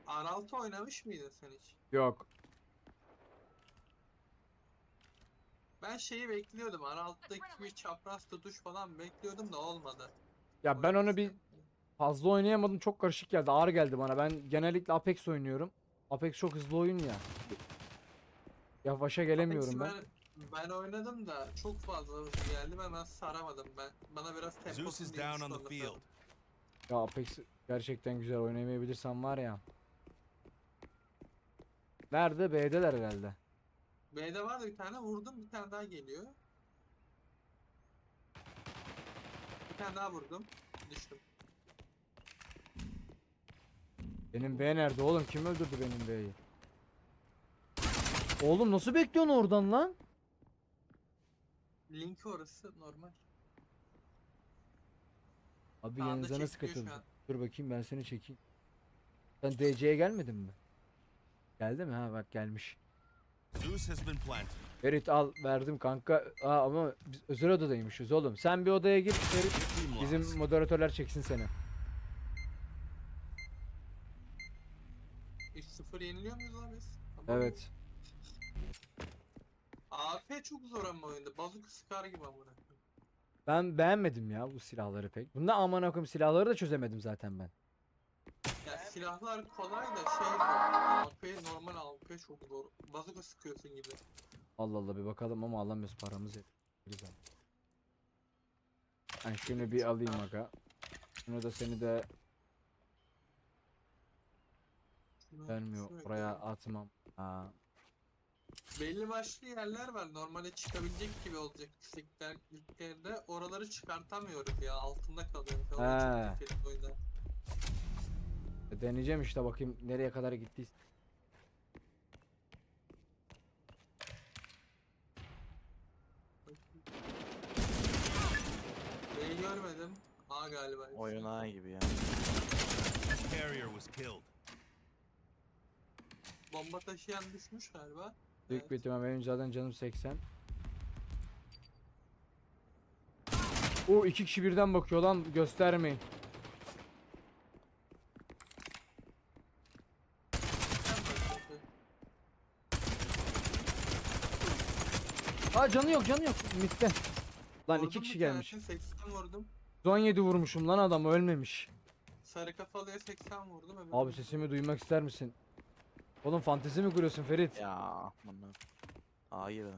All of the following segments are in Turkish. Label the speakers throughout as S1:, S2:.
S1: R6 oynamış mıydın sen hiç?
S2: Yok.
S1: Ben şeyi bekliyordum. R6'daki bir çapraz tutuş falan bekliyordum da olmadı.
S2: Ya
S1: O
S2: ben onu bir
S1: yüzden.
S2: fazla oynayamadım. Çok karışık geldi. Ağır geldi bana. Ben genellikle Apex oynuyorum. Apex çok hızlı oyun ya. Yavaşa gelemiyorum
S1: Apex'i
S2: ben.
S1: ben oynadım da çok fazla hızlı geldi ve ben saramadım. Bana biraz
S3: Zeus
S1: temposunu
S3: is down on the
S1: olması
S3: field.
S1: lazım.
S2: Ya Apex gerçekten güzel, oynayamayabilirsem var ya. Nerede? B'deler herhalde.
S1: B'de vardı bir tane vurdum, bir tane daha geliyor. Bir tane daha vurdum. Düştüm.
S2: Benim B nerede oğlum? Kim öldürdü benim B'yi? Oğlum nasıl bekliyorsun oradan lan?
S1: Link orası normal.
S2: Abi
S1: Sağda
S2: yanınıza nasıl
S1: çekiliyor şu
S2: katıldı?
S1: an.
S2: Dur bakayım ben seni çekeyim. Sen DC'ye gelmedin mi? Geldi mi? Ha bak gelmiş.
S3: Zeus has been planted.
S2: Ferit al verdim kanka. Aa, ama biz özel odadaymışız oğlum. Sen bir odaya gir Ferit.
S3: Team
S2: Bizim
S3: lost.
S2: moderatörler çeksin seni.
S1: 3-0 yeniliyor muyuz abi biz?
S2: Evet.
S1: AP çok zor ama oyunda. Bazuka sıkar gibi amına.
S2: Ben beğenmedim ya bu silahları pek. Bunda aman akım silahları da çözemedim zaten ben.
S1: Ya silahlar kolay da şey zor. AP normal AP çok zor. Bazuka sıkıyorsun gibi.
S2: Allah Allah bir bakalım ama alamıyoruz, paramız yetmiyor. Güzel. Ben şunu bir alayım aga. Şunu da seni de vermiyor. Oraya atmam. Ha.
S1: Belli başlı yerler var. Normale çıkabilecek gibi olacak yükseklerde. Oraları çıkartamıyoruz ya. Altında kalıyor. O da
S2: He.
S1: çok kötü oyunda.
S2: Deneyeceğim işte, bakayım nereye kadar gittiyse.
S1: B'yi görmedim. A galiba.
S4: Oyun ağa gibi ya.
S3: Carrier was killed.
S1: Bomba taşıyan düşmüş galiba.
S2: Büyük
S1: Evet.
S2: bir ihtimal benim zaten canım 80. O iki kişi birden bakıyor lan, göstermeyin. Ha canı yok, canı yok. Mitte. Lan
S1: Vurdum
S2: iki kişi
S1: bir
S2: gelmiş.
S1: tanesini, 80 vurdum.
S2: 17 vurmuşum lan, adam ölmemiş.
S1: Sarı kafalıya 80 vurdum.
S2: Abi sesimi duymak ister misin? Oğlum fantezi mi kuruyorsun Ferit?
S4: Ya bunu. Hayır.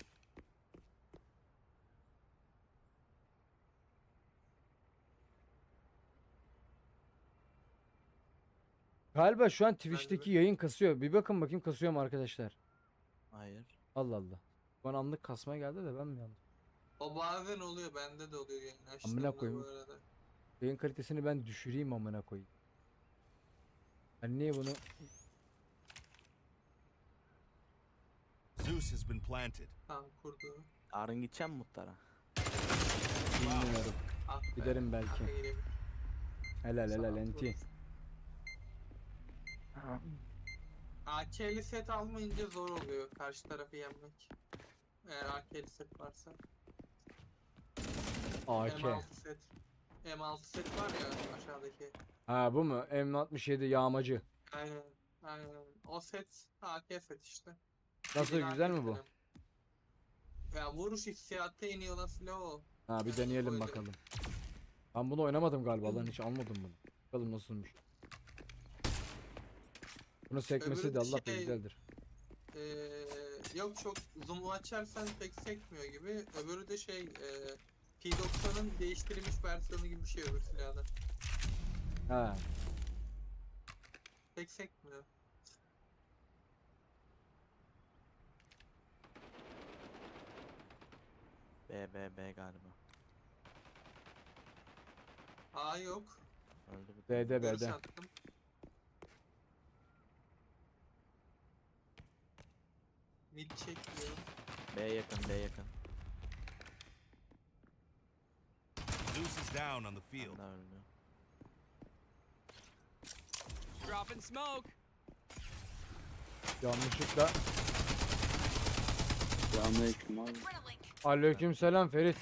S2: Galiba şu an Twitch'teki yayın kasıyor. Bir bakın bakayım kasıyor mu arkadaşlar?
S4: Hayır.
S2: Allah Allah. Bana anlık kasmaya geldi de ben mi yandım?
S1: O bazen oluyor. Bende de oluyor yani.
S2: Amına
S1: Açtığımda bu
S2: koyayım.
S1: arada.
S2: Yayın kalitesini ben düşüreyim amına koyayım. Ben niye bunu...
S3: Zeus has been planted.
S1: Tamam kurdu.
S4: Yarın gideceğim muhtara.
S2: Bilmiyorum.
S1: Ah be.
S2: Giderim belki.
S1: Ah be, gidelim.
S2: Helal helal
S1: Sabah
S2: enti.
S1: AK'li set almayınca zor oluyor karşı tarafı yenmek. Eğer AK'li set varsa.
S2: AK.
S1: M6 set. M6 set var ya aşağıdaki.
S2: Ha bu mu? M67 yağmacı.
S1: Aynen. Aynen. O set AK set işte.
S2: Nasıl,
S1: Bildiğin
S2: güzel
S1: AK
S2: mi bu?
S1: setim. Ya vuruş hissiyatı en iyi olan silah o.
S2: Ha bir
S1: Yani
S2: deneyelim
S1: öyle.
S2: bakalım. Ben bunu oynamadım galiba lan, hiç almadım bunu. Bakalım nasılmış. Bunu sekmesi
S1: Öbürü
S2: de
S1: de
S2: Allah da
S1: şey-
S2: güzeldir.
S1: Yok çok zoom'u açarsan pek sekmiyor gibi. Öbürü de P90'ın değiştirilmiş versiyonu gibi bir şey öbür silahda.
S2: Ha.
S1: Pek sekmiyor.
S4: B galiba.
S1: A yok.
S4: Öldü bir.
S2: B'de
S1: Görüş
S2: B'de.
S1: attım. Mid çekmiyor.
S4: B yakın, B yakın.
S3: Zeus is down on the field.
S4: Ben de öldü.
S5: Dropping smoke.
S2: Yanlışlıkla.
S6: Selamünaleyküm abi.
S2: Aleykümselam Ferit.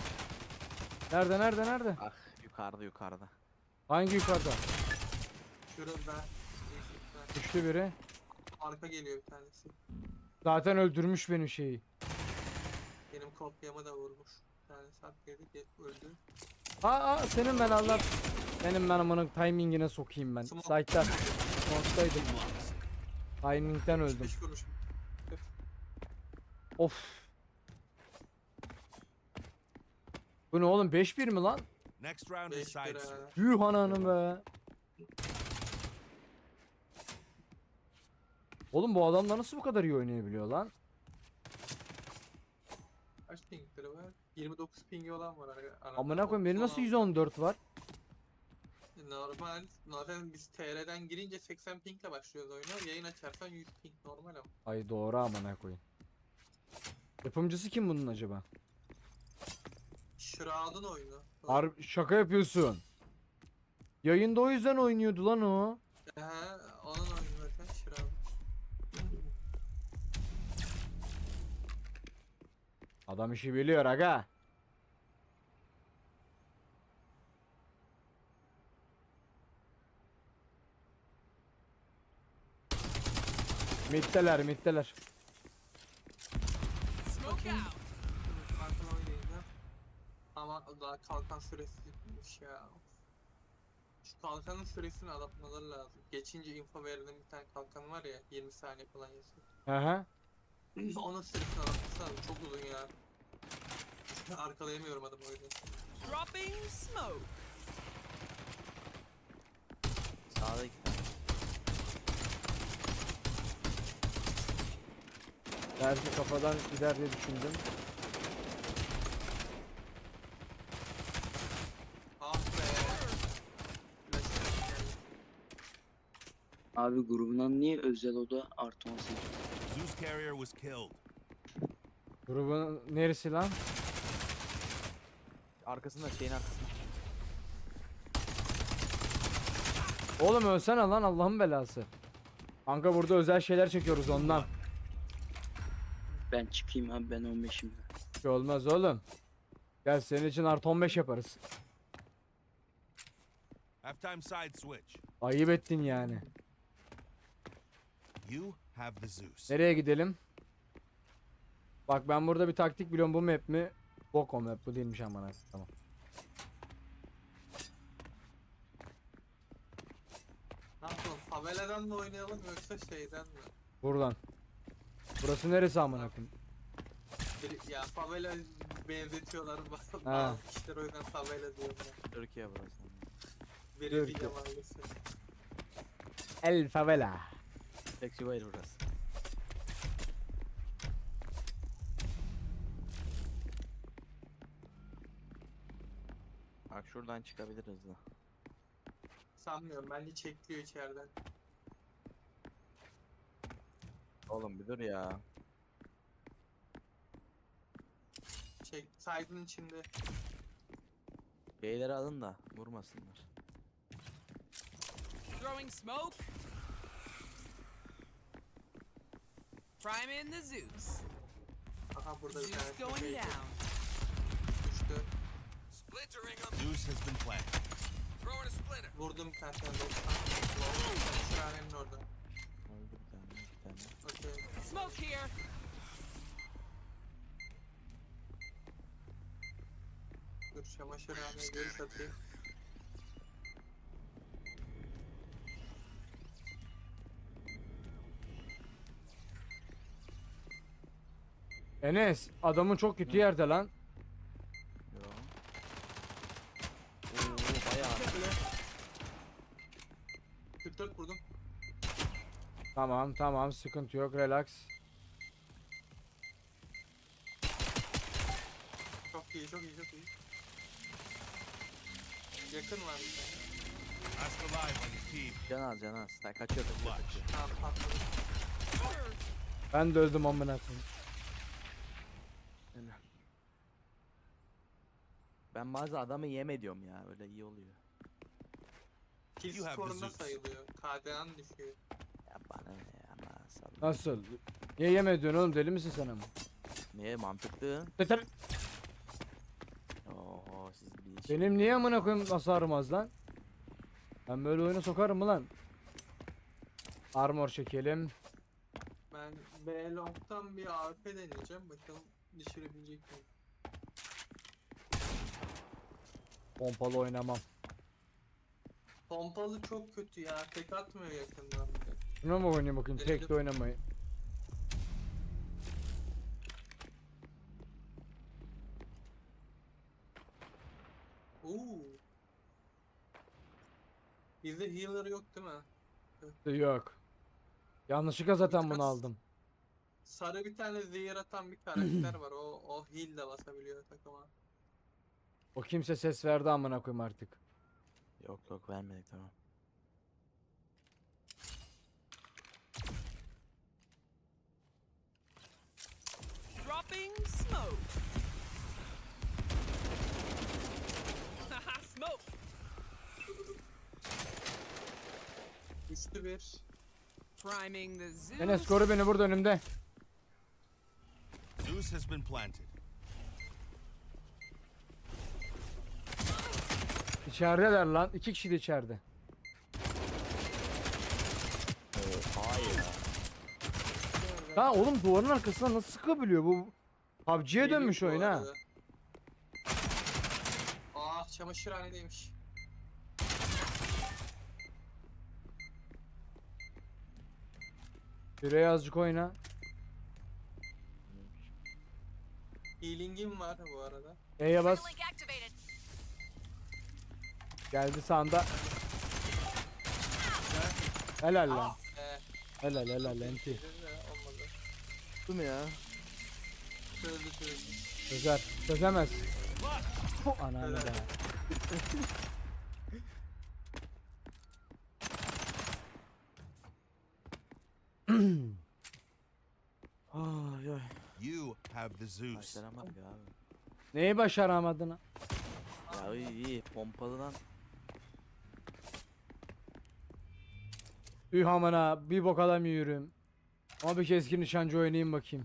S2: Nerede nerede nerede?
S4: Ah yukarıda yukarıda.
S2: Hangi yukarıda?
S1: Şurada ben.
S2: Düştü biri.
S1: Arka geliyor bir tanesi.
S2: Zaten öldürmüş benim şeyi.
S1: Benim kopyamı da vurmuş. Bir tanesi arkaya öldü.
S2: Senin ben Allah. Benim ben amanın timingine sokayım ben.
S1: Smoke.
S2: Site'da. Smoke'daydım. Timing'den öldüm.
S1: 5 vurmuş.
S2: Of. Bu ne oğlum 5-1 mi lan?
S3: Next round is
S1: 5
S3: side
S1: lira.
S3: search.
S2: Yuh ananı be. Oğlum bu adamlar nasıl bu kadar iyi oynayabiliyor lan?
S1: Kaç pingleri var? 29 pingi olan var arada.
S2: Amına koyayım benim nasıl 114 var?
S1: Normal. Zaten biz TR'den girince 80 pingle başlıyoruz oyuna. Yayın açarsan 100 ping normal ama.
S2: Ay doğru amına koyayım. Yapımcısı kim bunun acaba?
S1: Shroud'un oyunu.
S2: Şaka yapıyorsun. Yayında o yüzden oynuyordu lan o.
S1: Onun oyunu zaten Shroud.
S2: Adam işi biliyor aga. Mitteler.
S5: Smoke out.
S1: Farklı oynayacağım. Ama daha kalkan süresi bitmiş ya. Şu kalkanın süresini adaptmaları lazım. Geçince info verilen bir tane kalkan var ya 20 saniye falan yazıyor.
S2: Aha.
S1: Onun süresini adaptması lazım. Çok uzun ya. Arkalayamıyorum adamı o yüzden.
S5: Dropping smoke.
S4: Sağda 2 tane.
S2: Belki kafadan gider diye düşündüm.
S1: Ah be. Flash geldi.
S6: Abi grubundan niye özel oda artı 18?
S3: Zeus carrier was killed.
S2: Grubun neresi lan?
S4: Arkasında şeyin arkasında.
S2: Oğlum ölsene lan Allah'ın belası. Kanka burada özel şeyler çekiyoruz ondan.
S6: Ben çıkayım abi, ben 15'im.
S2: Bir şey olmaz oğlum. Gel senin için artı 15 yaparız.
S3: Halftime side switch.
S2: Ayıp ettin yani.
S3: You have the Zeus.
S2: Nereye gidelim? Bak ben burada bir taktik biliyorum, bu map mi? Bok o map, bu değilmiş aman. Tamam.
S1: Ne yapalım? Faveladan mı oynayalım yoksa şeyden mi?
S2: Buradan. Burası neresi amına koyayım?
S1: Ya favela benzetiyorlar bazı
S2: Ha.
S1: kişiler o yüzden favela diyorlar.
S4: Türkiye burası.
S1: Brezilya
S2: Türkiye.
S1: mahallesi.
S2: El favela.
S4: Flexible burası. Bak şuradan çıkabilir hızlı.
S1: Sanmıyorum, bence çekliyor içeriden.
S4: Oğlum bir dur ya.
S1: Side'ın içinde.
S4: Beyleri alın da vurmasınlar.
S5: Throwing smoke. Prime in the Zeus.
S1: Aha burada bir
S5: Zeus
S1: tane
S5: going
S1: şey
S5: down.
S1: düştü.
S5: Splintering them.
S3: Zeus has been planted.
S5: Throwing a splinter.
S1: Vurdum bir tane 90. Şuranenin orada.
S4: Öldü bir tane, iki tane.
S1: Okey.
S5: Smoke here.
S1: Dur çamaşırhaneye geri satayım.
S2: Enes adamın çok kötü yerde lan.
S4: Yo. Oo bayağı.
S1: 44 vurdum.
S2: Tamam sıkıntı yok, relax.
S1: Çok iyi, çok iyi, çok iyi. Yakın var bir tane.
S3: Last alive on your team.
S4: Can az. Sen kaçıyor.
S1: Tamam patladı.
S2: Ben de öldüm amına koyayım.
S4: Ben bazı adamı yem ediyorum ya. Öyle iyi oluyor.
S1: Kill
S3: You have the
S1: skorunda
S3: Zeus.
S1: sayılıyor. KDA'n düşüyor.
S4: Ya bana ne ya salla.
S2: Nasıl? Niye yeme ediyorsun oğlum, deli misin sen ama?
S4: Niye mantıklı?
S2: Yeter.
S4: Oo siz bir iş.
S2: Benim niye amına koyayım hasarım az lan? Ben böyle oyuna sokarım mı lan? Armor çekelim.
S1: Ben B long'tan bir AWP deneyeceğim. Bakalım düşürebilecek miyim?
S2: Pompalı oynamam.
S1: Pompalı çok kötü ya. Tek atmıyor yakından.
S2: Şuna mı oynayayım bakayım? Tek de
S1: Denedim.
S2: oynamayı.
S1: Oo. Bizde healer yok değil mi?
S2: Yok. Yanlışlıkla zaten bunu
S1: Biraz-
S2: aldım.
S1: Sarı bir tane zehir atan bir karakter var. O heal de basabiliyor takıma.
S2: O kimse ses verdi amına koyayım artık.
S4: Yok yok vermedik tamam.
S5: Dropping smoke. Haha, smoke.
S1: Üçlü bir.
S5: Priming the Zeus.
S2: Enes koru beni burada önümde.
S3: Zeus has been planted.
S2: İçerideler lan. 2 kişi de içeride.
S4: Hayır.
S2: Ha oğlum duvarın arkasına nasıl sıkabiliyor bu? PUBG'ye dönmüş
S1: Geliyor bu
S2: oyun ha.
S1: arada. Ah çamaşırhanedeymiş.
S2: Şuraya azıcık oyna.
S1: Healing'im var bu arada.
S2: E'ye bas.
S7: Link activated.
S2: Geldi sağında. Helal lan. Helal helal enti.
S1: Olmadı.
S4: Tuttu mu ya?
S1: Çözdü.
S2: Çözer. Çözemez. Ananı
S1: Helal.
S2: be.
S4: Ay ay.
S3: You have the Zeus.
S4: Başaramadık abi.
S2: Neyi başaramadın ha?
S4: Ya iyi pompalıdan
S2: Üh amına bir bok alamıyorum. Ama bir keskin nişancı oynayayım bakayım.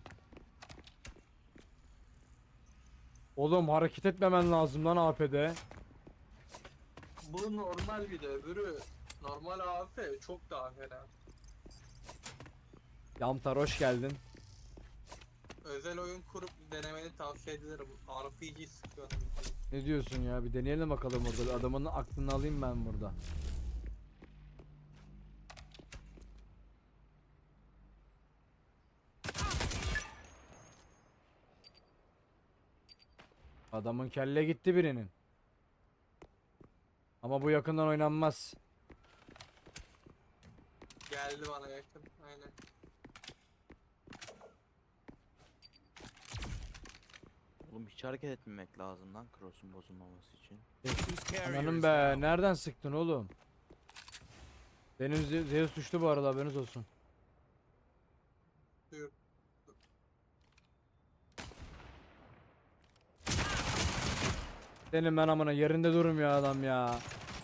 S2: Oğlum hareket etmemen lazım lan AP'de.
S1: Bu normal bir de öbürü normal AWP çok daha fena.
S2: Yamtar hoş geldin.
S1: Özel oyun kurup denemeni tavsiye ederim. RPG sıkıyor.
S2: Ne diyorsun ya? Bir deneyelim bakalım orada. Adamın aklını alayım ben burada. Adamın kelle gitti birinin. Ama bu yakından oynanmaz.
S1: Geldi bana yakın. Aynen.
S4: oğlum hiç hareket etmemek lazım lan cross'un bozulmaması için.
S3: Zeus carrier
S2: Ananım
S3: is
S2: be.
S3: down.
S2: Nereden sıktın oğlum? Benim Zeus düştü bu arada haberiniz olsun.
S1: Buyur.
S2: Senin ben amına yerinde durmuyor adam ya.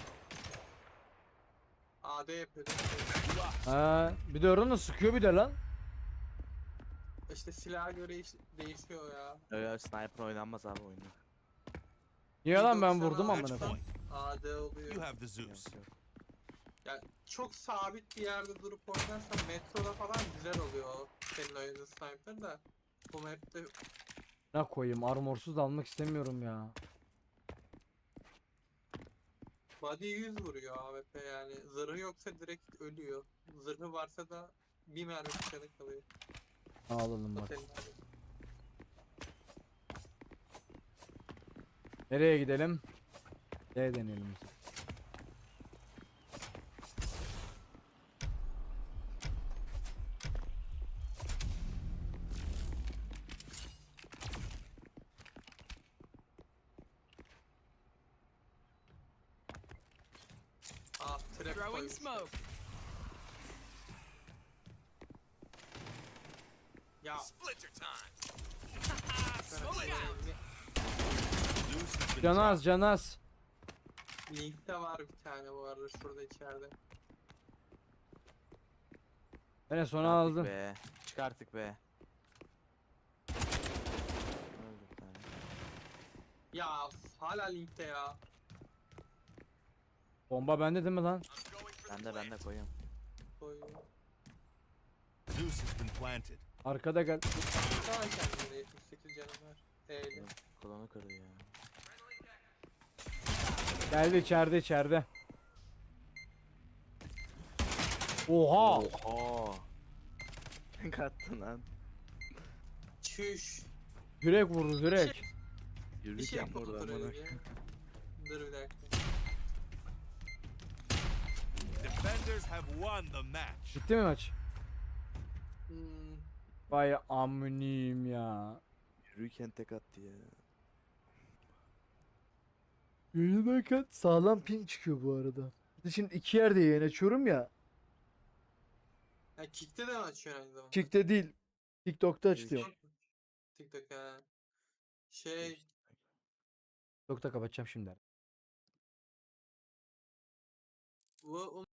S1: AD yapıyor.
S2: Ha, bir de oradan sıkıyor bir de lan.
S1: İşte silaha göre değişiyor ya.
S4: Öyle sniper oynanmaz abi oyunda.
S2: Niye lan ben
S1: 190
S2: vurdum
S1: ağaç
S2: amına
S3: Match
S2: koyayım.
S3: point.
S1: AD oluyor.
S3: You have the
S4: Yok,
S3: Zeus.
S4: yok.
S1: Yani çok sabit bir yerde durup oynarsan metroda falan güzel oluyor o senin oynadığın sniper da. Bu map'te
S2: Ne koyayım armorsuz da almak istemiyorum ya.
S1: body 100 vuruyor AWP yani. Zırhı yoksa direkt ölüyor. Zırhı varsa da bir mermi canı kalıyor.
S2: Alalım
S1: O
S2: bak.
S1: senin abi.
S2: Nereye gidelim? D deneyelim.
S1: Ah trap
S5: Throwing
S1: koymuş.
S5: smoke.
S1: Ya
S5: Splinter time.
S1: sen
S5: Slow it down.
S3: Zeus has been
S2: Canaz
S3: dropped.
S2: canaz.
S1: Link'te var bir tane bu arada şurada içeride.
S2: Ben sona
S4: Çıkarttık
S2: aldım.
S4: Be. Çıkarttık be. Öldü bir tane.
S1: Ya hala Link'te ya.
S2: Bomba bende değil mi lan?
S3: I'm going for the
S4: Ben de
S3: plant.
S4: koyuyorum.
S1: Koyuyor.
S3: Zeus has been planted.
S2: Arkada gel.
S1: Tamam kendine 78 canım var. Eyle.
S4: Kolonu kırdı ya.
S2: Geldi içeride. Oha.
S4: Oha. Ne kattın lan?
S1: Çüş.
S2: Direkt vurdu direkt.
S1: Bir
S4: Yürürken
S1: şey
S4: burada
S1: kontrol
S4: amına.
S1: edeyim. Dur bir dakika.
S3: Defenders have won the match.
S2: Bitti mi maç?
S1: Hmm.
S2: Vay amınıyım ya.
S4: Yürürken tek attı ya.
S2: Yayındayken sağlam ping çıkıyor bu arada. Bir de şimdi iki yerde yayın açıyorum ya.
S1: Ya Kick'te de mi açıyorsun aynı zamanda?
S2: Kick'te değil. TikTok'ta açıyorum.
S1: TikTok ha. Şey
S2: TikTok'ta kapatacağım şimdi.
S1: bu